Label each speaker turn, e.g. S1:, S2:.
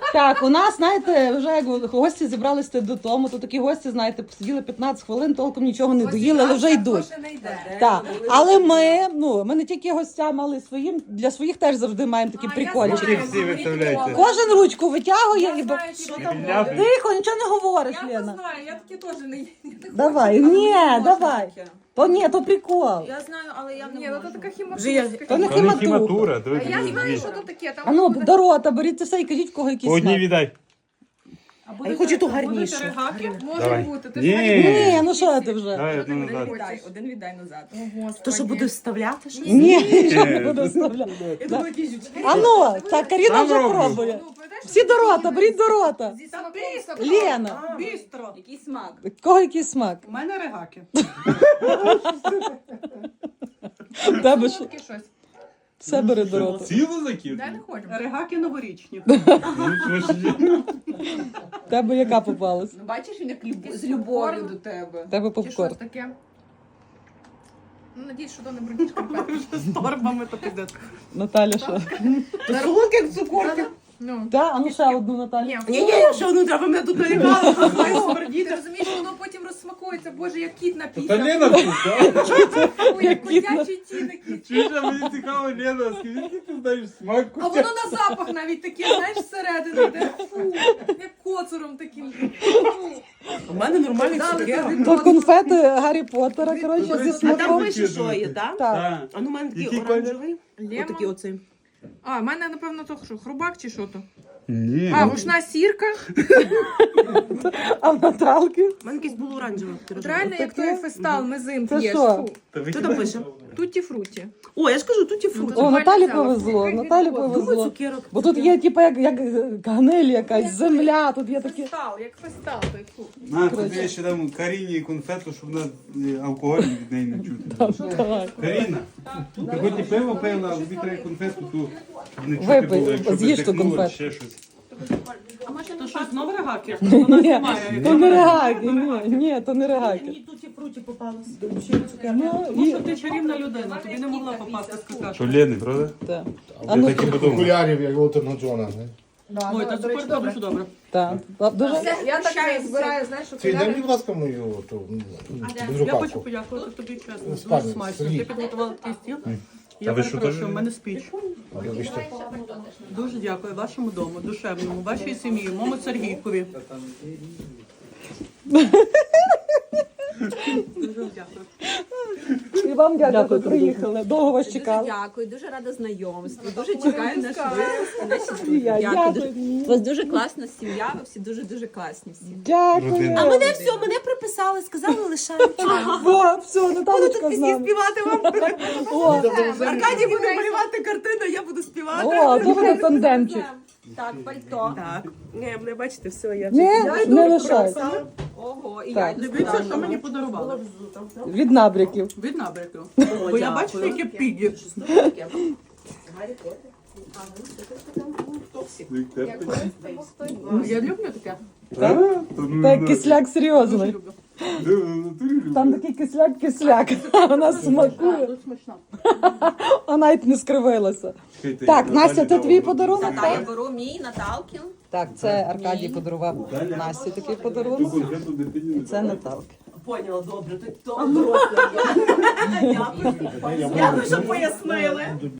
S1: Так, у нас, знаєте, вже як гості зібралися додому, то такі гості, знаєте, посиділи 15 хвилин, толком нічого не доїли, але вже йдуть. Так, але ми не тільки гостям, але й своїм, для своїх теж завжди маємо такі прикольчики.
S2: Всі виставляйте.
S1: Кожен ручку витягує і...
S2: Ляпи.
S1: Тихо, нічого не говориш,
S3: Я не
S1: Лена.
S3: знаю, я таке теж не їм.
S1: Давай, ні, давай. То ні, то прикол.
S4: Я знаю, але я не
S3: Ні,
S4: можу.
S3: ну то така
S1: То не
S2: То не
S1: хіматура.
S2: хіматура.
S3: А я знаю, що то таке. Там
S1: А ну,
S3: буде-
S1: до рота, беріть це все і кажіть, в кого якийсь
S2: По одній
S1: смак.
S2: віддай.
S1: А я хочу ту гарнішу.
S3: Може
S2: Давай.
S3: бути. Ти
S2: Ні.
S1: Ні, ну що ти вже?
S2: Давай одну назад.
S4: Один віддай назад.
S1: То що буде
S4: вставляти? Що?
S1: Ні, що не буду вставляти.
S4: Я думаю, якісь жучки.
S1: А ну, так, Каріна
S2: Сам
S1: вже
S2: роблю.
S1: пробує.
S3: Ну, пойдеш?
S1: Всі до рота, беріть до рота.
S3: Зі смаком.
S1: Лена,
S4: Бістро. Який смак?
S1: в кого який смак?
S5: У мене регаки.
S1: В тебе ж
S3: Таке щось.
S1: все бери до рота.
S2: Цілу закид?
S3: Дай не хочемо.
S5: Регаки новорічні.
S1: В тебе яка попалась?
S4: Ну, бачиш, він як з любов'ю до тебе.
S1: В тебе
S3: Чи
S1: попкорн.
S3: щось таке? Ну, надіюсь, що то не брудні шкарпетки.
S5: З торбами то піде.
S1: Наталя що?
S4: То солодкий як цукорки.
S3: Ну.
S1: Так, а ну ще одну Наталю.
S3: Ні,
S5: Ні, що одну треба мене тут налякали.
S3: ти розумієш, воно потім розсмакується. Боже, як кіт
S2: Та
S3: напісав.
S2: Лена вкус,
S3: Ой, як котячий тінок.
S2: Чуєш, а мені цікаво, Лена, скажи, ти знаєш смак
S3: А воно на запах навіть таке, знаєш, всередину йде. Фу, як коцуром таким. Фу.
S5: У мене нормальний цукерок.
S1: То конфети Гаррі Поттера, коротше, зі
S5: А там
S1: смаком.
S5: пише, що є, так?
S1: Так.
S5: А ну у мене такий
S2: Який
S5: оранжевий.
S3: Лема?
S5: Отакий оцей.
S3: А, в мене, напевно, то що, хрубак чи що то?
S2: Ні.
S3: А, рушна сірка.
S1: А в Наталки?
S5: У мене якийсь був оранжевий.
S3: От реально, як той фестал, мезим
S1: Це
S3: п'єш.
S1: що?
S3: Фу.
S5: Що там пише?
S3: Тутті-фруті.
S5: О, я ж кажу, тут є фрукти.
S1: О, Наталі повезло, Наталі
S5: Думаю,
S1: повезло.
S5: цукерок.
S1: Бо тут є, типу, як гниль якась, земля, тут є такі...
S3: Фестал, як фестал, той фу.
S2: На, тобі ще там Каріні конфету, щоб вона алкоголь від неї не чути.
S1: Давай.
S2: Каріна, ти хоч і пиво пила, а тобі треба конфету, ту, щоб не чути
S1: Випий,
S2: було, якщо
S1: з'їж ту
S2: притихнуло,
S1: конфету.
S2: ще щось.
S5: То що, знову регаки?
S1: Ні, то не регаки, ні, то не регаки.
S5: Мені тут і фруті попалось.
S1: Ну,
S5: Тому
S1: і...
S5: що ти чарівна людина, тобі не могла попасти з какашки.
S2: Що Лени, правда?
S1: Так. А ну,
S2: Так і подумав.
S6: Окулярів, як Олтона Джона.
S5: Ой, та супер добре, що добре.
S1: так. Дуже...
S3: Я так збираю, знаєш, що
S6: Це дай, будь ласка, мою ту
S5: Я хочу
S6: безрукавку.
S5: подякувати тобі чесно. Дуже
S6: Спальні,
S5: смачно.
S6: Сергій.
S5: Ти підготувала такий стіл.
S2: А
S5: Я
S2: ви що,
S5: перепрошую,
S2: теж?
S5: в мене спіч.
S6: Вибачте.
S5: Дуже дякую вашому дому, душевному, вашій сім'ї, моєму Сергійкові. Дуже дякую.
S1: І вам дякую, що приїхали. Довго вас чекали.
S4: Дякую, дуже рада знайомству. Дуже чекаю наш випуск.
S1: І я
S4: Дякую.
S1: дякую.
S4: У вас дуже класна сім'я, ви всі дуже дуже класні.
S1: Дякую.
S4: А мене все, мене приписали, сказали лишають.
S1: О, все, Наталочка з нами.
S4: Співати вам.
S1: О,
S4: Аркадій буде малювати картину, я буду співати.
S1: о, то буде тандемчик.
S4: Так, пальто.
S5: Так. Ні, мене бачите, все, я
S1: Не лишай.
S4: Ого, і
S1: Так.
S4: я
S5: дивіться, що мені подарували.
S1: Від набряків.
S5: Від набряків. Бо я бачу, яке піді. Я люблю таке.
S1: Так, кисляк серйозний.
S5: Люблю.
S1: Там такий кисляк, а вона смакує.
S5: Тут смачно.
S1: А навіть не скривилася. Так, Настя, це твій подарунок?
S4: Та я беру мій Наталкін.
S1: Так, це Аркадій подарував Насті такий подарунок. Це Наталки.
S5: Поняла, добре. Дякую, що пояснили.